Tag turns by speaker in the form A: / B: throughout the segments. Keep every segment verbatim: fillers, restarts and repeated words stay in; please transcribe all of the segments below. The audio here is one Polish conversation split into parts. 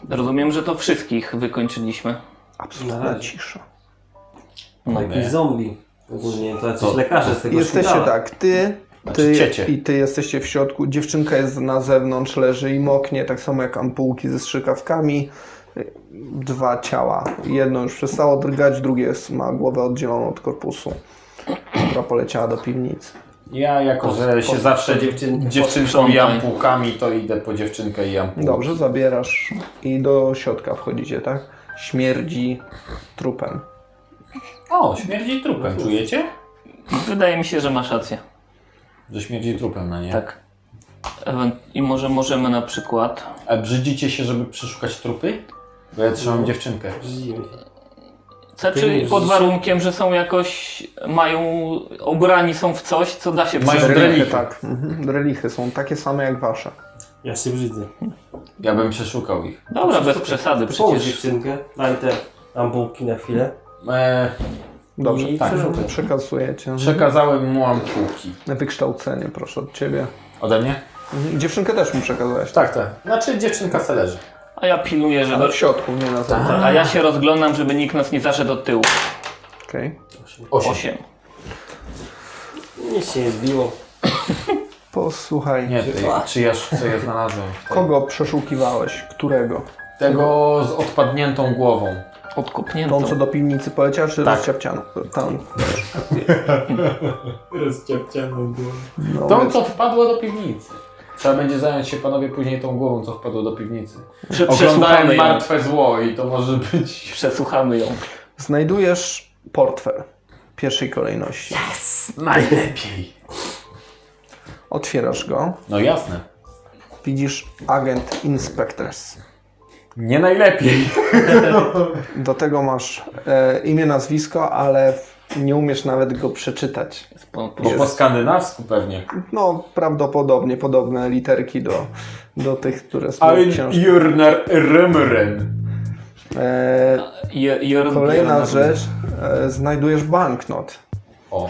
A: Rozumiem, że to wszystkich wykończyliśmy.
B: Absolutna cisza.
C: No, jakiś zombie. Ogólnie to jacyś lekarze z tego
B: Jesteście
C: szpitala.
B: tak, ty,
D: Znaczy
B: ty
D: ciecie.
B: i ty jesteście w środku. Dziewczynka jest na zewnątrz, leży i moknie, tak samo jak ampułki ze strzykawkami. Dwa ciała. Jedno już przestało drgać, drugie jest, ma głowę oddzieloną od korpusu, która poleciała do piwnicy.
D: Ja jako, że się zawsze
C: dziewczyn-
D: dziewczynką i
A: posprzątaj.
D: ampułkami, to idę po dziewczynkę i ampułki.
B: Dobrze, zabierasz i do środka wchodzicie, tak? Śmierdzi trupem.
D: O, śmierdzi trupem, czujecie?
A: Wydaje mi się, że masz rację.
D: Że śmierdzi trupem, no nie?
A: Tak. Ewen- I może możemy na przykład...
D: A brzydzicie się, żeby przeszukać trupy? Bo ja trzymam dziewczynkę.
C: Brzydzimy się.
A: Znaczy pod warunkiem, że są jakoś... mają... ubrani są w coś, co da się
D: Mają
A: przeżyć.
D: drelichy.
B: tak. Mhm. Drelichy są takie same jak wasze.
C: Ja się brzydzę.
D: Ja bym przeszukał ich.
A: Dobra, bez przesady
C: Połóż
A: przecież.
C: dziewczynkę, daj te ampułki na chwilę.
D: Eee,
B: Dobrze,
D: I tak.
B: przekazujecie.
D: przekazałem mu ampułki.
B: Wykształcenie, proszę od ciebie.
D: Ode mnie?
B: Mhm. Dziewczynkę też mu przekazałeś.
D: Tak, tak. Znaczy dziewczynka se leży.
A: A ja pilnuję, żeby...
B: Ale w środku, nie na zewnątrz.
A: A ja się rozglądam, żeby nikt nas nie zaszedł od tyłu.
B: Okej.
D: Osiem.
A: Osiem.
C: Nic się nie zbiło.
B: Posłuchaj,
D: Nie, ty, czy ja, co ja znalazłem? w tej-
B: kogo przeszukiwałeś? Którego?
D: Tego z odpadniętą głową.
A: Odkopnięto.
B: Tą, co do piwnicy poleciała, czy
D: Tak.
B: rozciapcianą? Tam.
C: Rozciapcianą było.
B: No,
D: Tą,
B: więc-
D: co wpadła do piwnicy. Trzeba będzie zająć się panowie później tą głową, co wpadło do piwnicy.
A: Prze- przesłuchamy
D: Oglądałem
A: ją.
D: martwe zło i to może być...
A: Przesłuchamy ją.
B: Znajdujesz portfel pierwszej kolejności.
D: Najlepiej.
B: Otwierasz go.
D: No jasne.
B: Widzisz agent Inspectors.
D: Nie najlepiej.
B: Do tego masz e, imię, nazwisko, ale nie umiesz nawet go przeczytać.
A: Po, po,
D: Bo po skandynawsku pewnie.
B: No, prawdopodobnie podobne literki do, do tych, które są w
D: Ein
B: książce.
D: Jurnar Römren.
B: E,
A: Je, je,
B: Kolejna
A: je,
B: rzecz. E, znajdujesz banknot.
D: O.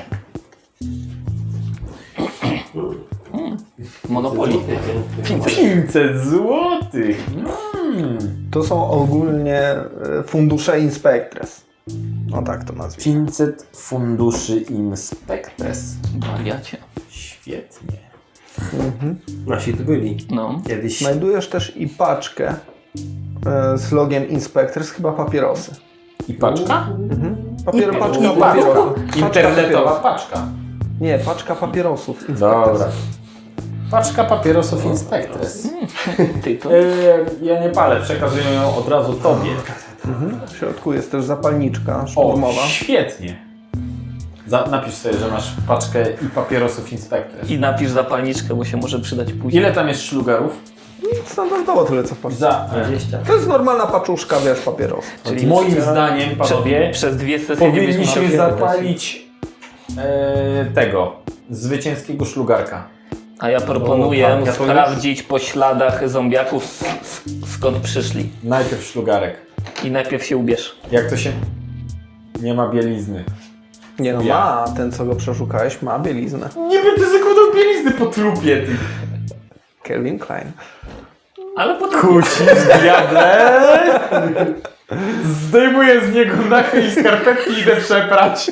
A: Monopoly.
D: pięćset złotych. Mm.
B: To są ogólnie e, fundusze Inspectors. No tak to nazwijmy.
D: pięćset funduszy Inspectres.
A: Wariacie.
D: Świetnie.
C: Nasi tu byli.
A: No.
C: Kiedyś.
B: Znajdujesz też i paczkę e, z logiem Inspectors, chyba papierosy.
D: I paczka?
B: Papier,
D: I
B: paczka
D: paczka.
B: papierosów. Paczka
D: Internetowa
B: papierosów.
D: paczka.
B: Nie, paczka papierosów. Inspectors.
D: Dobra. Paczka papierosów Inspectres.
A: Ty to...
D: E, ja nie palę, przekazuję ją od razu tobie.
B: W środku jest też zapalniczka
D: O,
B: szturmowa.
D: świetnie. Za, napisz sobie, że masz paczkę i papierosów Inspectres.
A: I napisz zapalniczkę, bo się może przydać później.
D: Ile tam jest szlugarów?
B: Standardowo tyle co w paczce.
D: Za,
C: dwadzieścia.
B: To jest normalna paczuszka, wiesz, papierosów.
A: Czyli
D: moim
A: przez-
D: zdaniem, panowie,
A: Przez dwie sesje nie byśmy
D: powinniśmy
A: mieli-
D: zapalić e, tego, zwycięskiego szlugarka.
A: A ja proponuję
D: O, tak, ja to
A: sprawdzić po śladach zombiaków s- s- skąd przyszli.
D: Najpierw szlugarek.
A: I najpierw się ubierz.
D: Jak to się... Nie ma bielizny.
B: Nie no,
D: Ja.
B: ma. Ten, co go przeszukałeś, ma bieliznę.
D: Nie będę zakładał bielizny po trupie, ty.
B: Calvin Klein.
A: Ale potem...
D: Kusisz, diable! Zdejmuję z niego nachy i skarpetki i idę przeprać.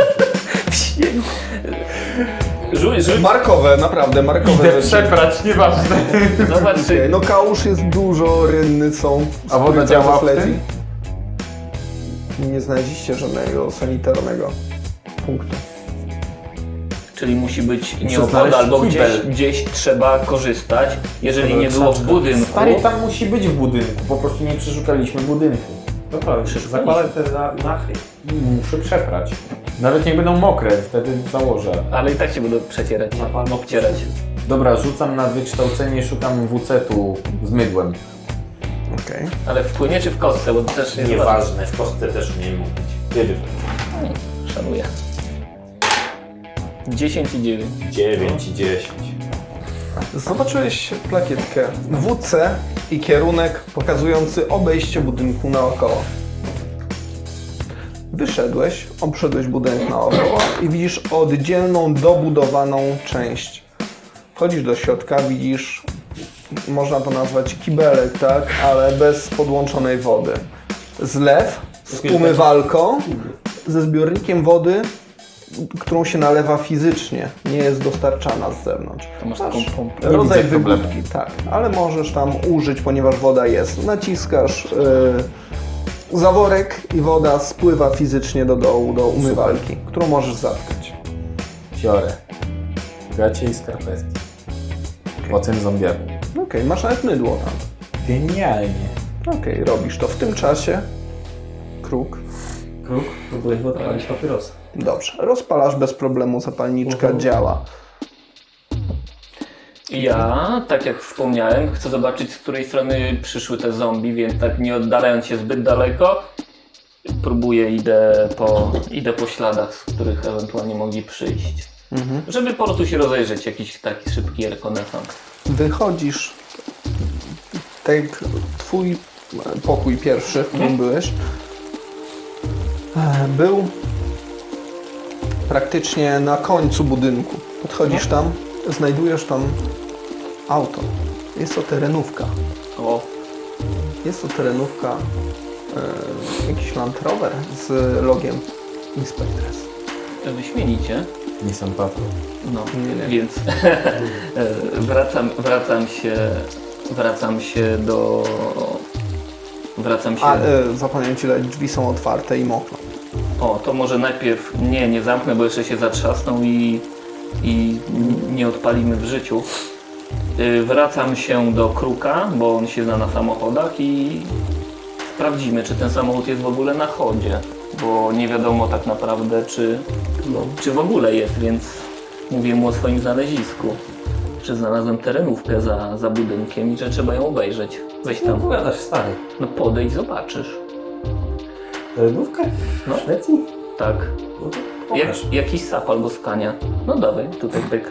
A: Rzuć, rzuć.
B: Markowe, naprawdę, markowe
D: Idę
B: rzeczy.
D: przeprać, nieważne.
A: Zobacz, czy...
B: No kałuż jest dużo, rynny są.
D: A woda
B: Spójrz,
D: działa
B: co
D: w
B: leci.
D: tym?
B: Nie znaleźliście żadnego sanitarnego punktu.
A: Czyli musi być
D: Muszę
A: nieopodal,
D: znaleźć
A: albo gdzieś,
D: kibel.
A: gdzieś trzeba korzystać. Jeżeli nie było w budynku...
D: Stary, tam musi być w budynku, po prostu nie przeszukaliśmy budynku.
C: No prawie, zakładaj te za- nachy.
D: Muszę przeprać. Nawet nie będą mokre, wtedy założę.
A: Ale i tak się będą przecierać, obcierać.
D: Dobra, rzucam na wykształcenie, szukam W C-tu z mydłem.
B: Okej.
A: Ale w płynie czy w kostce, bo to też jest
D: Nieważne, w kostce też umiem mówić. Kiedy?
A: ważne. Szanuję. dziesięć i dziewięć.
D: dziewięć i dziesięć.
B: Zobaczyłeś plakietkę W C i kierunek pokazujący obejście budynku naokoło. Wyszedłeś, obszedłeś budynek naokoło i widzisz oddzielną, dobudowaną część. Wchodzisz do środka, widzisz można to nazwać kibelek, tak? Ale bez podłączonej wody. Zlew z umywalką, ze zbiornikiem wody, którą się nalewa fizycznie, nie jest dostarczana z zewnątrz.
A: To masz taką pompę.
B: Rodzaj
D: widzę problemu.
B: wygłupki, tak, ale możesz tam użyć, ponieważ woda jest. Naciskasz yy, zaworek i woda spływa fizycznie do dołu, do umywalki, którą możesz zatkać.
D: Fiore. Gacie i skarpetki. Po tym zombiaku.
B: Okej, okay, masz nawet mydło tam.
D: Genialnie.
B: Okej, okay, robisz to. W tym czasie kruk.
C: Kruk, próbujesz odpalić papierosa.
B: Dobrze, rozpalasz bez problemu, zapalniczka
C: Mhm.
B: działa.
A: Ja, tak jak wspomniałem, chcę zobaczyć, z której strony przyszły te zombie, więc tak nie oddalając się zbyt daleko, próbuję, idę po, idę po śladach, z których ewentualnie mogli przyjść.
B: Mhm.
A: Żeby po prostu się rozejrzeć, jakiś taki szybki rekonesans.
B: Wychodzisz, tak jak twój pokój pierwszy, w którym byłeś, e, był praktycznie na końcu budynku. Podchodzisz tam, znajdujesz tam auto. Jest to terenówka.
A: O,
B: Jest to terenówka, e, jakiś Land Rover z logiem Inspectress.
A: wyśmienicie.
D: Nissan Patrol.
A: No,
B: Nie, nie.
A: więc wracam, wracam się, wracam się do... Wracam się...
B: A e, zapomniałem Ci dać, drzwi są otwarte i mokną.
A: O, to może najpierw... Nie, nie zamknę, bo jeszcze się zatrzasną i, i nie odpalimy w życiu. Y, Wracam się do Kruka, bo on się zna na samochodach i sprawdzimy, czy ten samochód jest w ogóle na chodzie, bo nie wiadomo tak naprawdę, czy,
C: No.
A: czy w ogóle jest, więc mówię mu o swoim znalezisku. Że znalazłem terenówkę za, za budynkiem i że trzeba ją obejrzeć. Weź
C: No
A: tam,
C: opowiadasz, stary.
A: no podejdź, zobaczysz.
C: Terenówkę?
A: No.
C: W Szwecji?
A: Tak.
C: No to
A: Jak,
C: pokaż.
A: jakiś sap albo skania. No dawaj, tutaj pyk.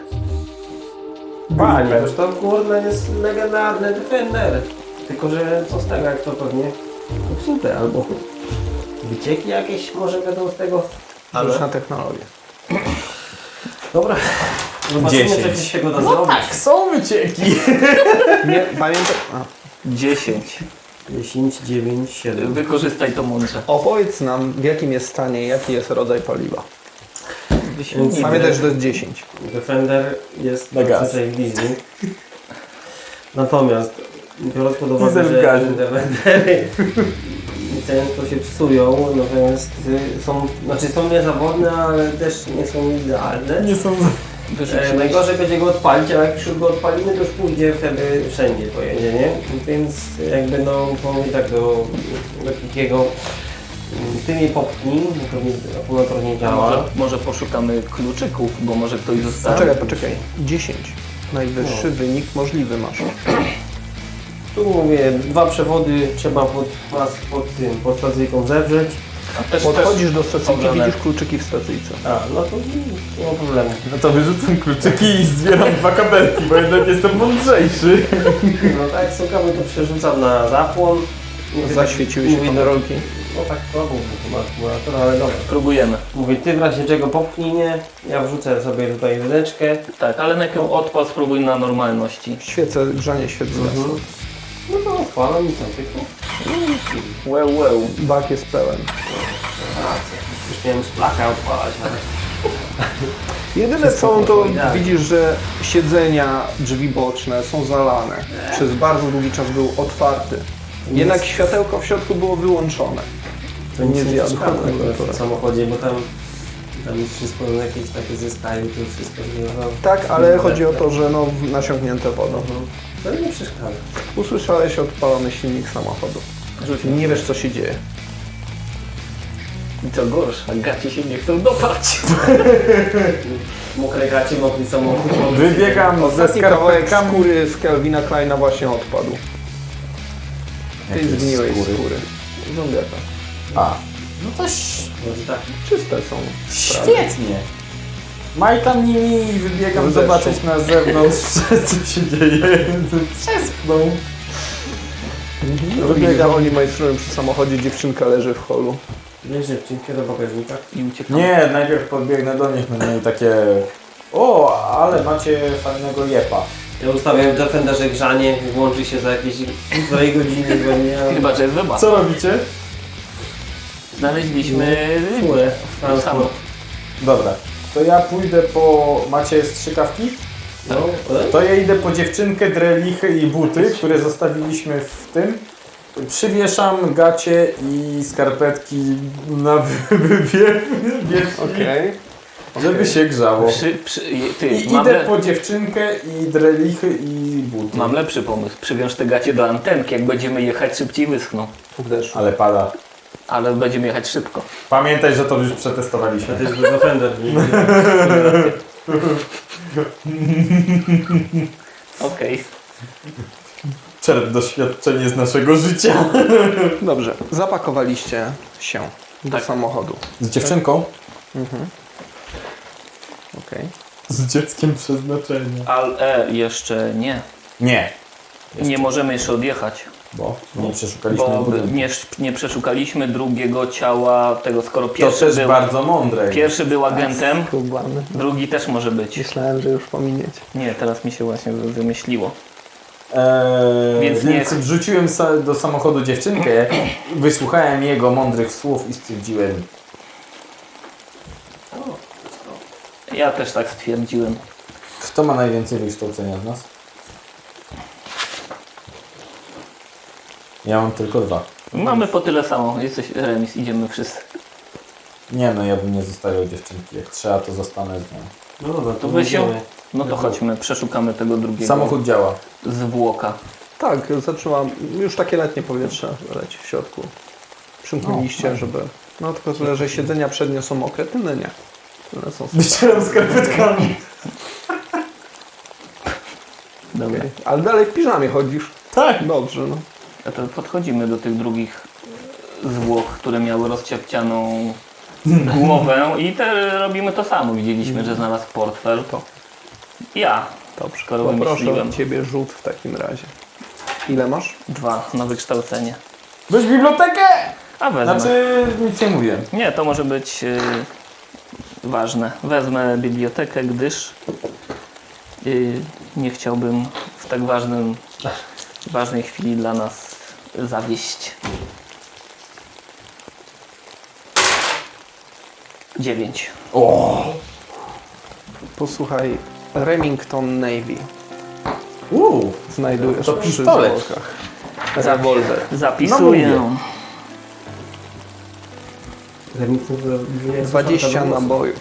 C: Panie, już to kurde jest legendarny Defender. Tylko, że co z tego, jak to pewnie popsute albo wycieki jakieś może będą z tego.
B: Rzuć na technologię.
C: Dobra, zobaczymy
D: Dziesięć.
C: co się z tego da
D: No
C: zrobić.
D: tak, są wycieki.
B: Nie, pamiętaj... A.
A: dziesięć.
C: dziesięć, dziewięć, siedem.
A: Wykorzystaj to mądrze.
B: Opowiedz nam, w jakim jest stanie, jaki jest rodzaj paliwa.
A: Wyśmienity.
B: Pamiętaj, że to jest dziesięć.
C: Defender jest
D: Na gaz.
C: zazwyczaj w leasing. Natomiast biorąc pod uwagę,
D: Diesel w
C: że
D: gazie.
C: Defendery często się psują, natomiast y, są, znaczy są niezawodne, ale też nie są idealne.
D: Nie są...
C: E,
A: Wyrzuciłeś.
C: najgorzej będzie go odpalić, ale jak już go odpalimy, to już pójdzie wtedy wszędzie pojedzie, nie? Więc jakby no, powiem tak do, do Kikiego, ty mnie popchnij, akumulator nie
A: A
C: działa.
A: może, może poszukamy kluczyków, bo może ktoś zostawił.
B: Poczekaj, poczekaj. dziesięć. Najwyższy wynik możliwy masz.
C: Tu mówię, dwa przewody trzeba pod, pas, pod tym, pod stacyjką zewrzeć.
A: A też,
B: Podchodzisz do stacyjki,
A: obrane.
B: widzisz kluczyki w stacyjce.
C: A, no to nie ma problemu.
D: No to wyrzucam kluczyki i zbieram dwa kabelki, bo jednak jestem mądrzejszy.
C: No tak, sokamy to przerzucam na zapłon. Mówię,
B: Zaświeciły
C: tak,
B: się
C: mówię,
B: panerolki.
C: No tak, to był chyba akumulator, ale dobra.
A: Próbujemy.
C: Mówię, ty w razie czego popchnij mnie, ja wrzucę sobie tutaj wydeczkę.
A: Tak, ale najpierw odpal, spróbuj na normalności.
B: Świece, grzanie świec zgasło.
C: No to odpalam i co, tylko?
A: Well, well.
B: Bak jest pełen.
C: Już miałem z plaka odpalać, ale...
B: Jedyne co, to
C: powiedziałem.
B: widzisz, że siedzenia, drzwi boczne są zalane. Przez bardzo długi czas był otwarty. Jednak światełko w środku było wyłączone.
C: To nic
B: Nie
C: nie
B: zjadł
C: przeszkadza
B: akumulatora.
C: w samochodzie, bo tam, tam jest wszystko jakieś takie ze Skype'u, to wszystko związane.
B: Tak, ale chodzi o to, że no nasiąknięte wodą.
C: To nie przeszkadza.
B: Usłyszałeś odpalony silnik samochodu.
A: Rzuć.
B: Nie wiesz co się dzieje.
A: I co gorsza, gaci się nie chcą dopać.
C: Mokre gacie, mokry samochód.
D: Wybiegam ze
B: Ostatni kawałek
D: skarpetkami.
B: skóry z Kelvina Kleina właśnie odpadł. Tej
D: Jakie
B: zgniłej
D: skóry?
B: skóry. Zombiaka.
D: A, no to ś-
C: Może tak.
B: Czyste są.
D: świetnie. Majtam nimi i wybiegam
B: Zeszło.
D: zobaczyć na zewnątrz, co się dzieje. Przespną.
B: Wybiega, oni majstrują przy samochodzie, dziewczynka leży w holu.
C: Wiesz, dziewczynkę do bagażnika.
A: I uciekamy.
D: Nie, najpierw podbiegnę do nich, będę mieli takie... O, ale macie fajnego jepa.
C: Ja ustawiam w Defenderze grzanie, włączy się za jakieś półtorej godziny, bo nie ja...
A: Chyba, że jest wyba.
D: Co robicie?
A: Znaleźliśmy
C: Furę.
A: to samo.
D: Dobra, to ja pójdę po... Macie strzykawki?
C: No, e?
D: To ja idę po dziewczynkę, drelichy i buty, które zostawiliśmy w tym. Przywieszam gacie i skarpetki na wywiew,
B: Okej.
D: żeby się grzało.
A: Przy, przy, ty,
D: I
A: mam,
D: idę
A: le,
D: po dziewczynkę i drelichy i buty.
A: mam lepszy pomysł. Przywiąż te gacie do antenki, jak będziemy jechać szybciej wyschną.
B: W deszczu.
D: Ale pada.
A: Ale będziemy jechać szybko.
D: Pamiętaj, że to już
C: To
D: przetestowaliśmy.
C: jest Defender, nie?
A: Okej.
D: Czerp doświadczenie z naszego życia.
B: Dobrze, zapakowaliście się do
A: Tak.
B: samochodu.
D: Z dziewczynką?
B: Okej.
D: Z dzieckiem przeznaczenia.
A: Ale e, jeszcze nie.
D: Nie.
A: Nie możemy jeszcze odjechać.
D: Bo nie przeszukaliśmy
A: Bo
D: budynku.
A: nie, nie przeszukaliśmy drugiego ciała tego, skoro
D: To
A: pierwszy
D: też
A: był,
D: bardzo mądre.
A: pierwszy był agentem,
B: Próbany.
A: drugi też może być.
B: Myślałem, że już pominiecie.
A: Nie, teraz mi się właśnie wymyśliło.
D: Eee,
A: Więc
D: więc
A: nie-
D: wrzuciłem sa- do samochodu dziewczynkę, wysłuchałem jego mądrych słów i stwierdziłem,
A: Ja też tak stwierdziłem.
D: kto ma najwięcej wykształcenia z nas? Ja mam tylko dwa.
A: Mamy po tyle samo. Jesteś remis, idziemy wszyscy.
D: Nie no, ja bym nie zostawiał dziewczynki. Jak trzeba, to zostanę z nią.
C: No dobra,
A: To weź ją. No to chodźmy, przeszukamy tego drugiego
D: Samochód działa.
A: zwłoka.
B: Tak, zaczęłam, już takie letnie powietrze leci w środku. Przymknęliście, żeby... No tylko tyle, że siedzenia przednie są mokre, tylne nie. Tylne są super.
D: Wyścieram skarpetkami.
A: Dobra.
B: Okej. Ale dalej w piżamie chodzisz.
D: Tak.
B: Dobrze, no.
A: A to podchodzimy do tych drugich zwłok, które miały rozciapcianą głowę i te robimy to samo. Widzieliśmy, że znalazł portfel.
B: To.
A: Ja.
B: Dobrze,
A: Skoro
B: poproszę
A: wymyśliłem.
B: od Ciebie rzut w takim razie. Ile masz?
A: Dwa na wykształcenie.
D: Weź bibliotekę!
A: A wezmę.
D: Znaczy, nic nie mówię.
A: Nie, to może być yy, ważne. Wezmę bibliotekę, gdyż yy, nie chciałbym w tak ważnym, ważnej chwili dla nas zawieść. Dziewięć.
D: O!
B: Posłuchaj, Remington Navy.
D: Uuu,
B: Znajdujesz
D: To
B: przy
D: pistolet.
B: zwłokach. Rewolwer.
A: Zapisuję.
D: No
B: dwadzieścia nabojów.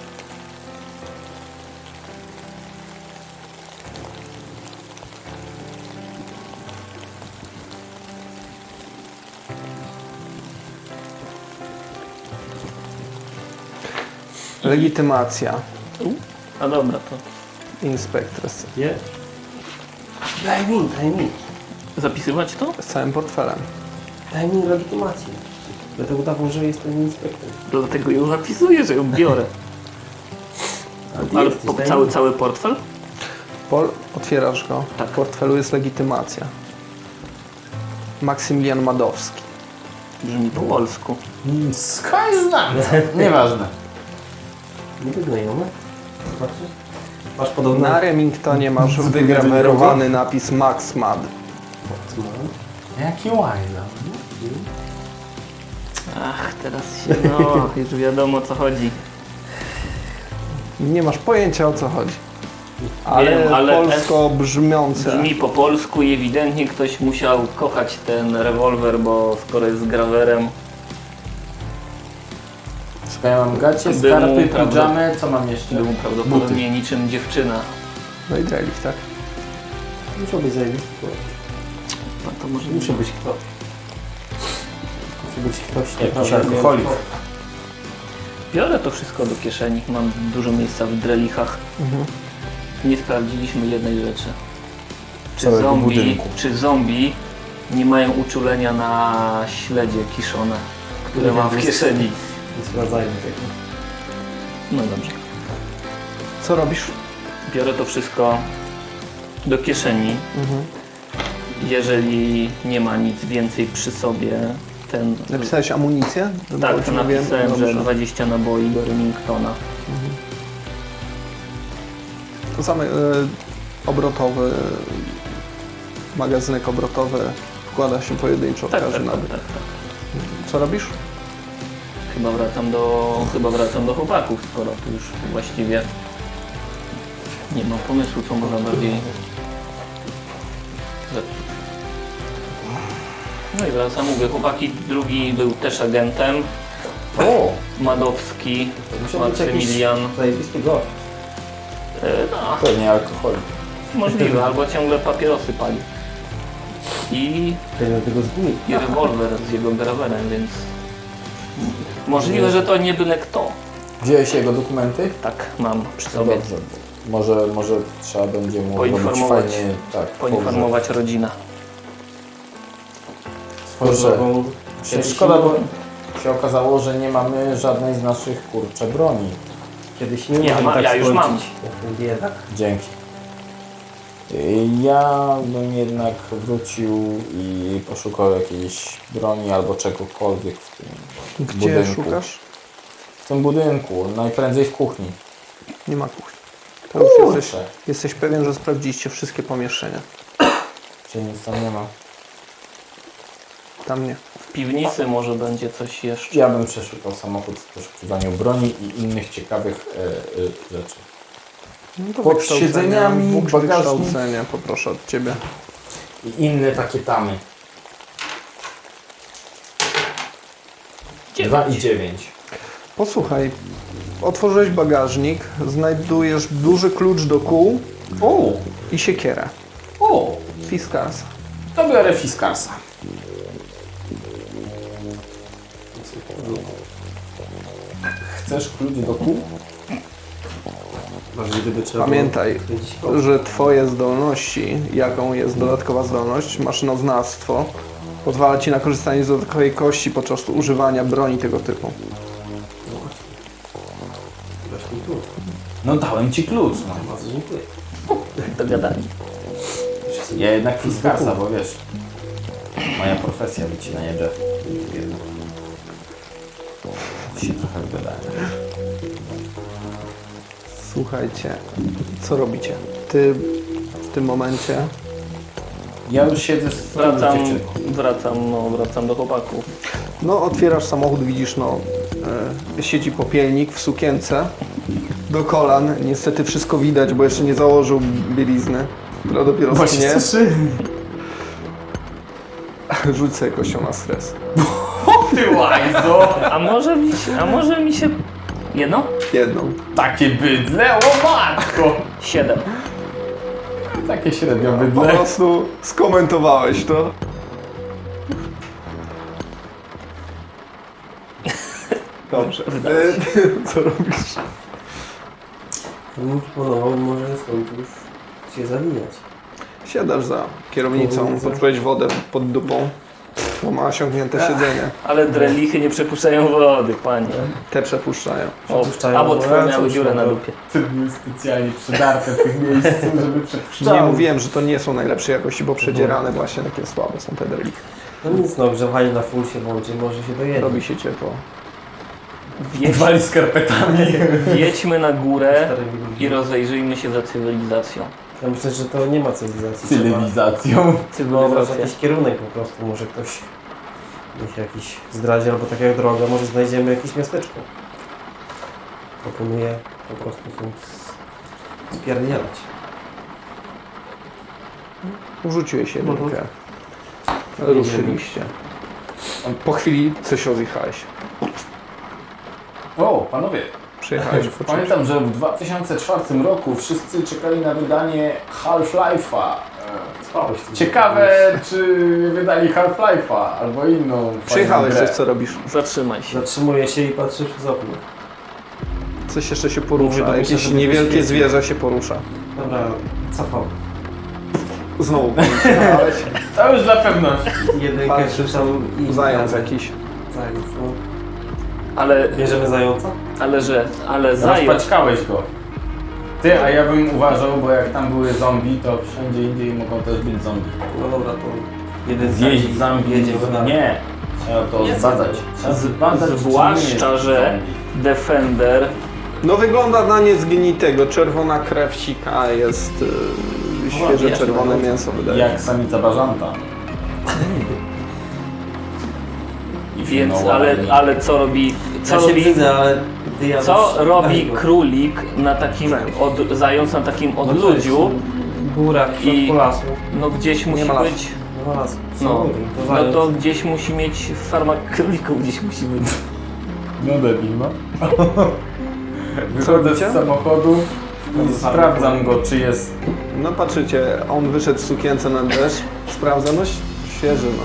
B: Legitymacja.
A: A dobra, to
B: Inspektres.
C: Nie? Daj mi, daj mi.
A: zapisywać to?
B: Z całym portfelem.
C: Daj mi legitymację. Będę udawał, że jestem inspektorem.
A: Dlatego ją zapisuję, że ją biorę. Ale
C: jesteś,
A: po,
C: daj
A: cały,
C: mi.
A: cały portfel?
B: Pol, otwierasz go.
A: Tak.
B: W portfelu jest legitymacja. Maksymilian Madowski.
A: Brzmi po polsku.
D: skąd znam? Nieważne.
C: Niby znajomy. Zobaczysz? Masz podobne...
B: Na Remingtonie masz wygrawerowany napis Max Mad.
D: Jaki łajza.
A: Ach, teraz się, no, już wiadomo o co chodzi.
B: Nie masz pojęcia o co chodzi. Ale,
A: Wiem, ale
B: polsko brzmiące.
A: Brzmi po polsku i ewidentnie ktoś musiał kochać ten rewolwer, bo skoro jest z grawerem,
D: Słuchaj, ja mam gacie,
A: Był mu,
D: skarpy,
A: prawda?
D: pidżamy, co mam jeszcze?
A: był prawdopodobnie niczym dziewczyna.
B: No i drelich, tak?
C: Musiał być zajebisty.
A: No to może
C: Musi być kto. Musi być ktoś.
D: Jakiś
C: naprawdę
D: alkoholik.
C: wiem,
A: Biorę to wszystko do kieszeni, mam dużo miejsca w drelichach.
B: Mhm.
A: Nie sprawdziliśmy jednej rzeczy. Czy
D: Całego
A: zombie,
D: budynku.
A: czy zombie nie mają uczulenia na śledzie kiszone, które mam w kieszeni?
C: kto. Nie sprawdzajmy tego.
A: No dobrze.
B: Co robisz?
A: Biorę to wszystko do kieszeni.
B: Mhm.
A: Jeżeli nie ma nic więcej przy sobie, ten...
B: Napisałeś amunicję?
A: Tak,
B: Dobrze
A: to
B: wiem?
A: napisałem, że
B: Dobrze.
A: dwadzieścia naboi do Remingtona.
B: To same, y, obrotowy, magazynek obrotowy wkłada się pojedynczo w
A: Tak, tak,
B: każdy
A: tak,
B: nabyt.
A: tak, tak.
B: Co robisz?
A: Chyba wracam do, chyba wracam do chłopaków, skoro tu już właściwie nie mam pomysłu, co można bardziej zepsuć. No i wracam, mówię, chłopaki, drugi był też agentem,
C: O!
A: Madowski,
C: Musiał być jakiś
A: Maksymilian,
C: zajebisty gość.
A: e, no
D: Pewnie alkohol.
A: możliwe, albo ciągle papierosy pali. I,
C: Ten tego zgubił.
A: i rewolwer z jego grawerem, więc możliwe, że to nie byle kto.
D: Wziąłeś jego dokumenty?
A: Tak, mam przy
D: No
A: sobie.
D: dobrze. Może, może trzeba będzie mu robić
A: Poinformować.
D: fajnie, tak,
A: Poinformować rodzinę.
D: Kurczę,
C: Kiedyś
D: szkoda,
C: nie-
D: bo się okazało, że nie mamy żadnej z naszych, kurcze, broni.
C: Kiedyś nie
A: Ja
C: możemy
A: ma-
C: tak
A: ja już
C: skończyć,
A: mam.
C: jak ten biedak.
D: Dzięki. Ja bym jednak wrócił i poszukał jakiejś broni albo czegokolwiek w tym
B: Gdzie
D: budynku.
B: szukasz?
D: W tym budynku, najprędzej w kuchni.
B: Nie ma kuchni. To już
D: Kurczę.
B: jesteś, jesteś pewien, że sprawdziliście wszystkie pomieszczenia.
D: Czy nic tam nie ma?
B: Tam nie.
A: W piwnicy może będzie coś jeszcze.
D: Ja bym przeszukał samochód w poszukiwaniu broni i innych ciekawych e, e, rzeczy.
B: No to
D: Pod
B: wykształcenie,
D: siedzeniami,
B: Bóg
D: bagażnik.
B: wykształcenia, poproszę od Ciebie.
D: I inne takie tamy. Dwa i dziewięć.
B: Posłuchaj, otworzyłeś bagażnik, znajdujesz duży klucz do kół
D: O!
B: i siekierę.
D: O!
B: Fiskarsa.
D: To biorę Fiskarsa. Chcesz klucz do kół?
C: Może gdyby trzeba
B: Pamiętaj,
C: było kręcić koło.
B: że Twoje zdolności, jaką jest dodatkowa zdolność, maszynoznawstwo, pozwala Ci na korzystanie z dodatkowej kości podczas używania broni tego typu.
C: Właśnie tu.
D: No dałem ci klucz. No.
C: Bardzo dziękuję.
A: Dogadani.
D: Ja jednak Fiskarsa, bo wiesz, moja profesja wycinanie drzew. Jednak. Się trochę wygadałem.
B: Słuchajcie, co robicie? Ty w tym momencie
D: Ja już siedzę z
A: Wracam,
D: dziewczyną.
A: wracam, no, wracam do chłopaków.
B: No, otwierasz samochód, widzisz, no, e, siedzi popielnik w sukience do kolan. Niestety wszystko widać, bo jeszcze nie założył bielizny, która dopiero sknie. Rzuć sobie kością na stres.
D: Ty łajzo!
A: A może mi się, a może mi się... Jedno?
B: Jedną.
D: Takie bydle, o matko!
A: Siedem.
D: Takie średnio
B: Po
D: bydle.
B: prostu skomentowałeś to. Dobrze. E, Co robisz?
C: Ja bym proponował może stąd już się zawijać.
B: Siadasz za kierownicą, poczułeś wodę pod dupą, bo ma osiągnięte siedzenie.
A: Ale drelichy nie przepuszczają wody, panie.
B: Te przepuszczają.
A: O,
C: Przepuszczają
A: albo
C: wodę,
A: twoje
C: a
A: miały
C: cóż,
A: dziurę
C: no
A: na
C: to-
A: dupie.
D: Ty były specjalnie przydarte w tych miejscach, żeby przepuszczały.
B: Nie mówiłem, że to nie są najlepszej jakości, bo przedzierane właśnie takie słabe są te drelichy.
C: No nic, no grzewanie na full się włączy, może się dojedzie.
B: Robi się ciepło.
A: Wjedź,
D: Wali skarpetami.
A: wjedźmy na górę
C: Starymi ludźmi.
A: i rozejrzyjmy się za cywilizacją.
C: Ja myślę, że to nie ma cywilizacji. Trzeba
D: Cywilizacją.
C: wyobrazić
A: Cywilizacja.
C: jakiś kierunek po prostu. Może ktoś niech jakiś zdradzi, albo tak jak droga, może znajdziemy jakieś miasteczko. Proponuję po prostu stąd spierdzielać.
B: Rzuciłeś jedynkę. Ruszyliście. Po chwili coś rozjechałeś.
D: O, panowie.
B: Przyjechałeś po czymś.
D: Pamiętam, że w dwa tysiące czwartym roku wszyscy czekali na wydanie Half-Life'a. E,
C: Spałeś tu.
D: Ciekawe, czy wydali Half-Life'a albo inną.
B: Przyjechałeś,
D: fajną
B: coś co robisz?
A: Zatrzymaj się.
C: Zatrzymuję się i patrzę przez okno.
B: Coś jeszcze się
C: Mówię
B: porusza,
C: do
B: jakieś
C: myślę, żeby
B: niewielkie
C: wyświetlić.
B: zwierzę się porusza.
C: Dobra, cofam.
B: Znowu przyjechałeś.
D: To już dla pewności.
C: Jedynkę
B: Patrzysz,
C: rzucam i...
B: Zając jakiś.
C: Zając, no.
A: Ale,
C: Bierzemy zająca?
A: ale że, ale zając.
D: Rozpaczkałeś go. Ty, a ja bym uważał, bo jak tam były zombie, to wszędzie indziej mogą też być zombie.
C: No dobra, to jeden
D: Zjeść zombie?
C: jedziemy dalej.
D: Nie. Trzeba to
C: Nie,
D: zbadać. Trzeba zbadać, czy
A: Zwłaszcza,
D: nie jest
A: że
D: zombie.
A: Defender
B: No wygląda na niezgnitego. Czerwona krew sika, jest, y, świeże czerwone mięso wydaje.
D: Jak samica bażanta. I
A: Więc,
D: no,
A: ale,
D: ładnie.
A: ale co robi, co
C: Ja się
A: robi,
C: widzę, ale ty ja
A: co
C: już-
A: robi
C: Weź go.
A: królik na takim, od, zając na takim
C: No to
A: odludziu,
C: jest góra, w
A: I-
C: środku lasu.
A: no gdzieś musi
B: ma lasu.
A: być,
C: No las.
A: no,
C: To
A: no
C: zając.
A: to gdzieś musi mieć farma królików, gdzieś musi być.
D: No debil, no. Wychodzę
B: robicie?
D: z samochodu i sprawdzam go, czy jest...
B: No patrzycie, on wyszedł w sukience na deszcz, sprawdza, no świeży, no.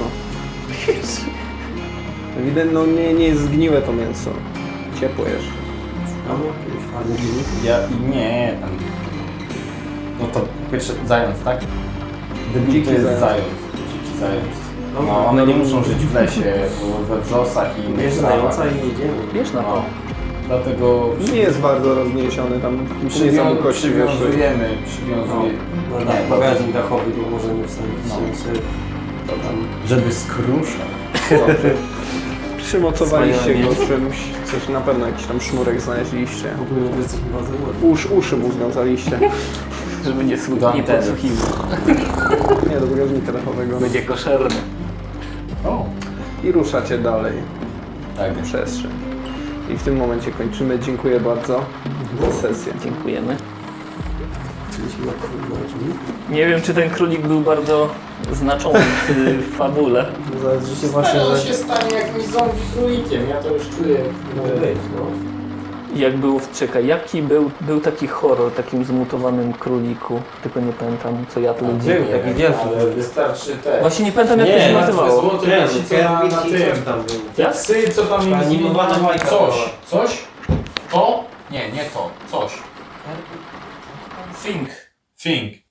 B: Ewidentnie, no nie, nie jest zgniłe to mięso. Ciepłe jeszcze.
C: No, jakiś fajny dziennik.
D: Ja... Nie, tam... No to pierwszy zając, tak? Debil
B: Dziki
D: to jest
B: zając.
D: zając. Dziki zając.
C: No,
D: No, one nie muszą żyć w lesie, we wrzosach i innych
C: Bierz
D: trawach.
C: zająca i jedziemy.
A: Wiesz na to.
D: No. Dlatego
B: Nie jest bardzo rozniesiony, tam nie są
D: przywią-
B: kości wyszły.
D: przywiązujemy, przywiązujemy.
C: No,
D: Nie,
C: tak, bagażnik dachowy, tu możemy wstawić
D: No.
C: sobie to tam.
D: Żeby skruszał.
B: Przymocowaliście
C: Wspaniale.
B: go czymś, coś na pewno jakiś tam sznurek znaleźliście.
C: W ogóle że jesteśmy bardzo ładni.
B: Usz, uszy mu związaliście.
A: Żeby nie, słu-
D: Dam
A: nie
D: ten.
A: podsłuchiwał.
B: Nie, do bagażnika dachowego.
A: Będzie koszerny.
D: O,
B: I ruszacie dalej
D: tak.
B: w przestrzeń. I w tym momencie kończymy. Dziękuję bardzo za sesję.
A: Dziękujemy.
C: Chcieliśmy na królik.
A: Nie wiem, czy ten królik był bardzo znaczący w fabule.
C: Zaraz życie właśnie,
D: On
C: że...
D: się stanie jakimś zombie królikiem, ja to już czuję.
C: Może być, no.
A: Jak był, czekaj, jaki był, był taki horror, takim zmutowanym króliku, tylko nie pamiętam, co ja tu
C: Był
A: widziałem.
C: taki wielki.
D: Ale wystarczy te...
A: Właśnie nie pamiętam, jak to się nazywało.
D: Złoty leci, co na, na tym.
C: tam był.
A: Jak?
D: Psy, co tam im
C: Animowana
D: zmieniają
C: bajka
D: coś.
C: była.
D: Coś? To? Nie, nie to. Coś.
A: Think.
D: Think.